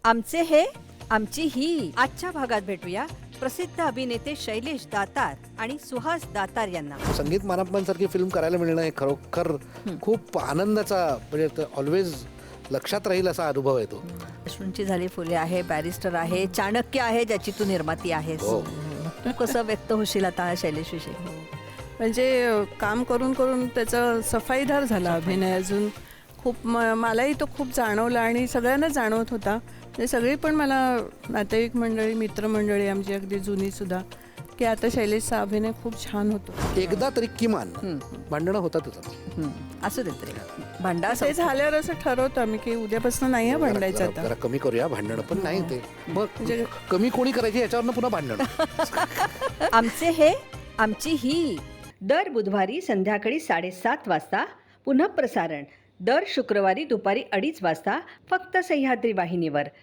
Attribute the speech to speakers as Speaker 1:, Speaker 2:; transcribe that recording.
Speaker 1: आमचे हे आमची ही. आजच्या भागात भेटूया प्रसिद्ध अभिनेते शैलेश दातार आणि सुहास दातार यांना.
Speaker 2: संगीत मानापमान सारखी फिल्म करायला मिळणं हे खरोखर खूप आनंदाचा, म्हणजे ऑलवेज लक्षात राहील असा अनुभव आहे तो.
Speaker 1: अश्विनची झाली फुले आहे, बॅरिस्टर आहे, चाणक्य आहे ज्याची तू निर्माती आहेस.
Speaker 2: हो.
Speaker 1: तू कसं व्यक्त होशील आता शैलेश विषयी?
Speaker 3: म्हणजे काम करून करून त्याचा सफाईदार झाला अभिनय. अजून खूप मलाही तो खूप जाणवला आणि सगळ्यांना जाणवत होता. ते सगळी पण मला नातेवाईक मंडळी, मित्रमंडळी आमची अगदी जुनी सुद्धा, की आता शैलेशचा अभिनय खूप छान होतो.
Speaker 2: एकदा तरी किमान भांडणं होतातच.
Speaker 1: असू देत रे, भांडा
Speaker 3: ते झाल्यावर असं ठरवतो आम्ही की उद्यापासून नाही भांडायचं आता.
Speaker 2: जरा कमी करूया भांडणं, पण नाही ते मग
Speaker 3: म्हणजे
Speaker 2: कमी कोणी करायची याच्यावरनं पुन्हा भांडणं.
Speaker 1: आमचे हे आमची ही. दर बुधवारी संध्याकाळी 7:30 वाजता पुनः प्रसारण. दर शुक्रवारी दुपारी 2:30 वाजता फक्त सह्याद्री वाहिनीवर.